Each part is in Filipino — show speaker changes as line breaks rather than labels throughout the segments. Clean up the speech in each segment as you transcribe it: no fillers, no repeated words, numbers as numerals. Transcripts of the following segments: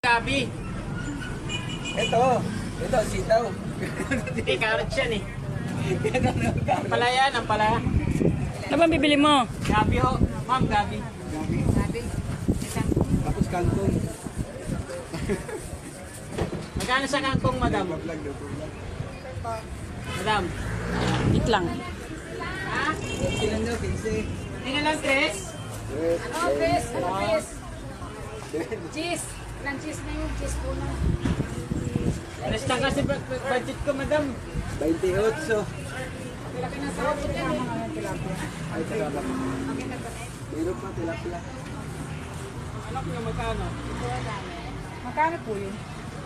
Gabi.
Ito sitaw.
Hindi, carrot yan eh. Ang palaya, ang palaya.
Ano bang bibili mo?
Gabi ho. Ma'am, gabi.
Tapos kangkong.
Magkano sa kangkong, madam? Madam.
Wait lang.
Ha?
Sila nyo, 15.
Tingnan lang, Tres.
Ano, Chris? Ano, Chris? Cheese. Ilang cheese na yun? Cheese po na.
Tres lang kasi budget ko, madam.
28.
Wala ka na sa akin yan eh.
Ay, salamat. Meron pa, tilapia.
Anak niyo, magkano?
Magkano po yun?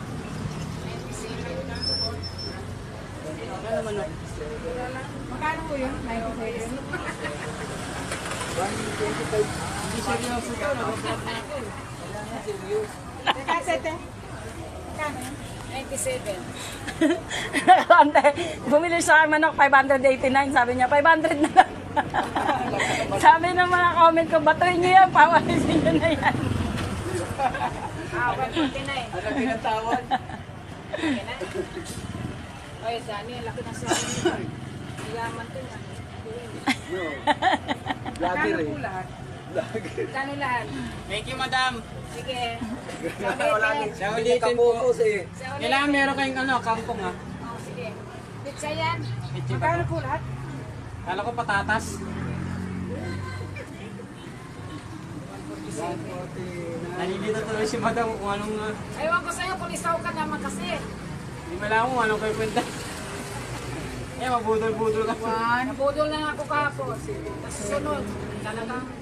Magkano manok?
Magkano po yun? 97.
125.
Hindi seryoso ko. Nag-vlog na ako.
Teka, sete. Magkano yun? 97.
Ante, bumili sa akin manok, 589. Sabi niya, 500 na lang. Sabi ng mga comment ko, batuin niyo yan, pawalisin niyo na yan.
Ah, 149.
Ano pinatawag?
Oy, Dani, laki na sa akin. Yaman to yan.
No. Vlogger
Magkano
eh.
po lahat?
Vlogger.
Magkano lahat?
Thank you, madam.
Sige.
Wala nang
Sa ulitin po.
pinakapokus eh.
Sa ulit.
Kailangan meron kayong kangkong ha.
Oh, sige. Pizza yan.
Pizza ba?
Magkano po lahat?
Kala ko patatas.
149.
Nalilito tuloy si madam kung anong...
Ewan ko sa'yo kung isaw ka naman kasi.
Hindi mo alam kung anong kayo kwenta. Mabudol-budol ka.
Nabudol na ako kahapon. Tapos sunod. Talagang